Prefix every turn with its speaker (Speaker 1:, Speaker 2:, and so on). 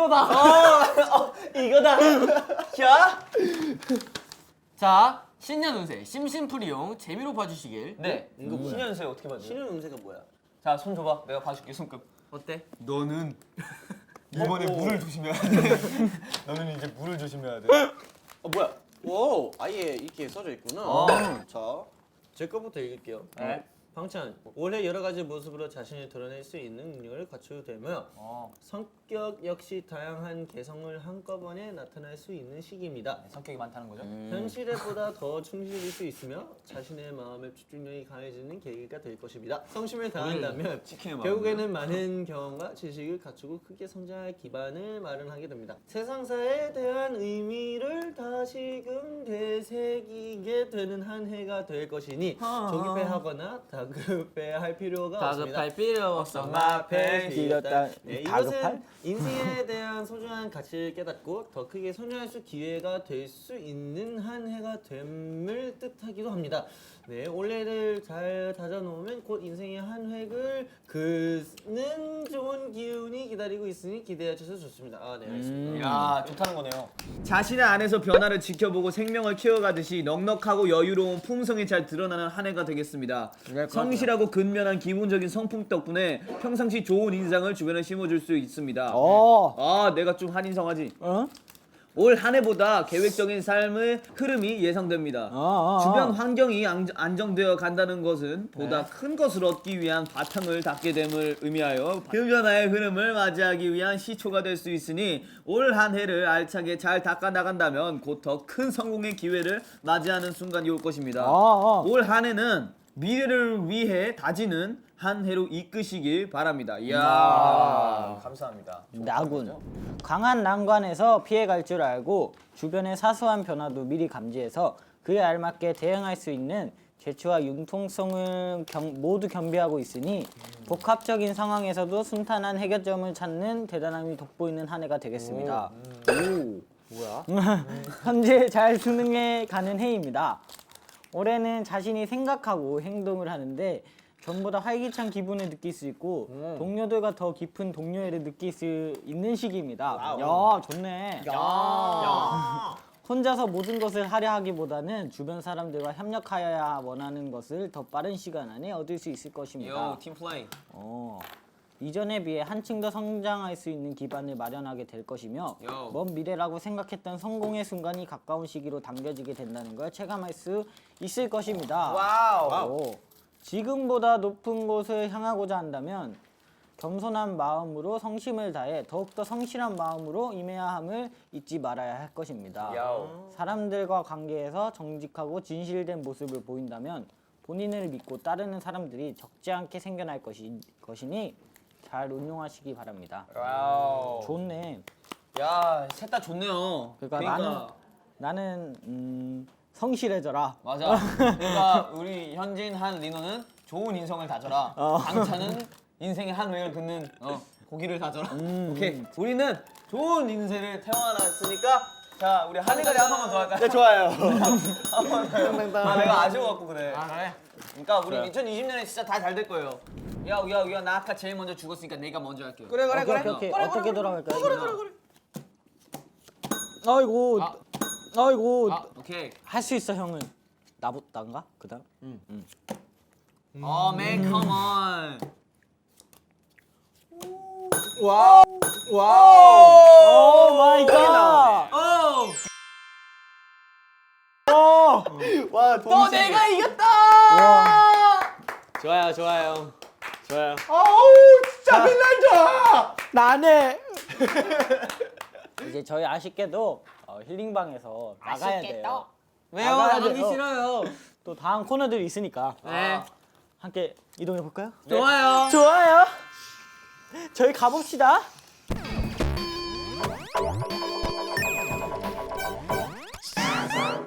Speaker 1: 이거다. 이거다.
Speaker 2: 자, 신년 운세 심심풀이용 재미로 봐주시길.
Speaker 1: 네. 이거 신년 운세 어떻게 봐줘?
Speaker 3: 신년 운세가 뭐야?
Speaker 1: 자, 손 줘봐. 내가 봐줄게 손금.
Speaker 2: 어때?
Speaker 1: 너는 이번에 물을 조심해야 돼. 너는 이제 물을 조심해야 돼.
Speaker 3: 뭐야? 오, 아예 이렇게 써져 있구나. 자, 제 거부터 읽을게요.
Speaker 1: 네.
Speaker 3: 방찬, 올해 여러 가지 모습으로 자신을 드러낼 수 있는 능력을 갖추게 되며 성격 역시 다양한 개성을 한꺼번에 나타낼 수 있는 시기입니다.
Speaker 1: 성격이 많다는 거죠?
Speaker 3: 현실에보다 더 충실일 수 있으며 자신의 마음의 집중력이 강해지는 계기가 될 것입니다. 성심을 다한다면 결국에는 많은 경험과 지식을 갖추고 크게 성장할 기반을 마련하게 됩니다. 세상사에 대한 의미를 다시금 되새기게 되는 한 해가 될 것이니 조급해하거나 다급해할 필요가 없습니다.
Speaker 2: 다급할 필요 없어.
Speaker 3: 마패
Speaker 4: 길었다.
Speaker 3: 네,
Speaker 4: 다급할?
Speaker 3: 이것은 인생에 대한 소중한 가치를 깨닫고 더 크게 성장할 수 기회가 될 수 있는 한 해가 됨을 뜻하기도 합니다. 네, 올해를 잘 다져놓으면 곧 인생의 한 획을 긋는 좋은 기운이 기다리고 있으니 기대해 주셔서 좋습니다. 아, 네, 알겠습니다.
Speaker 1: 야, 좋다는 거네요.
Speaker 4: 자신의 안에서 변화를 지켜보고 생명을 키워가듯이 넉넉하고 여유로운 품성이 잘 드러나는 한 해가 되겠습니다. 성실하고 근면한 기본적인 성품 덕분에 평상시 좋은 인상을 주변에 심어줄 수 있습니다. 아, 내가 좀 한인성하지? 올 한 해보다 계획적인 삶의 흐름이 예상됩니다. 주변 환경이 안정되어 간다는 것은 보다 큰 것을 얻기 위한 바탕을 닦게 됨을 의미하여 그 변화의 흐름을 맞이하기 위한 시초가 될 수 있으니 올 한 해를 알차게 잘 닦아 나간다면 곧 더 큰 성공의 기회를 맞이하는 순간이 올 것입니다. 올 한 해는 미래를 위해 다지는 한 해로 이끄시길 바랍니다. 이야.
Speaker 1: 감사합니다.
Speaker 5: 나군. 강한 난관에서 피해갈 줄 알고 주변의 사소한 변화도 미리 감지해서 그에 알맞게 대응할 수 있는 재치와 융통성을 모두 겸비하고 있으니 복합적인 상황에서도 순탄한 해결점을 찾는 대단함이 돋보이는 한 해가 되겠습니다. 현재 잘 수능해 가는 해입니다. 올해는 자신이 생각하고 행동을 하는데 전보다 활기찬 기분을 느낄 수 있고 동료들과 더 깊은 동료애를 느낄 수 있는 시기입니다. 야, 좋네. 혼자서 모든 것을 하려 하기보다는 주변 사람들과 협력하여야 원하는 것을 더 빠른 시간 안에 얻을 수 있을 것입니다.
Speaker 1: 팀 플레이.
Speaker 5: 이전에 비해 한층 더 성장할 수 있는 기반을 마련하게 될 것이며 먼 미래라고 생각했던 성공의 순간이 가까운 시기로 당겨지게 된다는 걸 체감할 수 있을 것입니다.
Speaker 1: 와우.
Speaker 5: 지금보다 높은 곳을 향하고자 한다면 겸손한 마음으로 성심을 다해 더욱더 성실한 마음으로 임해야 함을 잊지 말아야 할 것입니다. 사람들과 관계에서 정직하고 진실된 모습을 보인다면 본인을 믿고 따르는 사람들이 적지 않게 생겨날 것이니 잘 운용하시기 바랍니다.
Speaker 1: 와우.
Speaker 5: 좋네.
Speaker 1: 야, 셋 다 좋네요.
Speaker 5: 그러니까 나는 성실해져라.
Speaker 1: 맞아. 그러니까 우리 현진, 한, 리노는 좋은 인성을 다져라. 방찬은 인생의 한 획을 긋는 고기를 다져라. 오케이. 우리는 좋은 인생을 태어났으니까 자, 우리 한이가리 한 번만 더 할까요?
Speaker 3: 네, 좋아요.
Speaker 1: 한번 더요. 내가 아쉬워갖고 그래.
Speaker 2: 그래?
Speaker 1: 그러니까 우리 2020년에 진짜 다 잘 될 거예요. 야, 나 아까 제일 먼저 죽었으니까 내가 먼저 할게요.
Speaker 5: 그래. 어떻게 돌아갈까요? 그래. 아이고.
Speaker 1: 오케이.
Speaker 5: 할 수 있어, 형은. 나인가? 그다음.
Speaker 1: Man, come on.
Speaker 5: 오 마이 갓.
Speaker 3: 와,
Speaker 1: 또 내가 이겼다.
Speaker 3: 좋아요.
Speaker 4: 진짜 빛난다!
Speaker 5: 나네. 이제 저희 아쉽게도 힐링방에서 나가야 돼요.
Speaker 2: 왜요?
Speaker 5: 나가야
Speaker 2: 나가기
Speaker 5: 돼요.
Speaker 2: 싫어요.
Speaker 5: 또 다음 코너들이 있으니까
Speaker 2: 네.
Speaker 5: 함께 이동해 볼까요?
Speaker 2: 좋아요.
Speaker 5: 좋아요. 저희 가봅시다.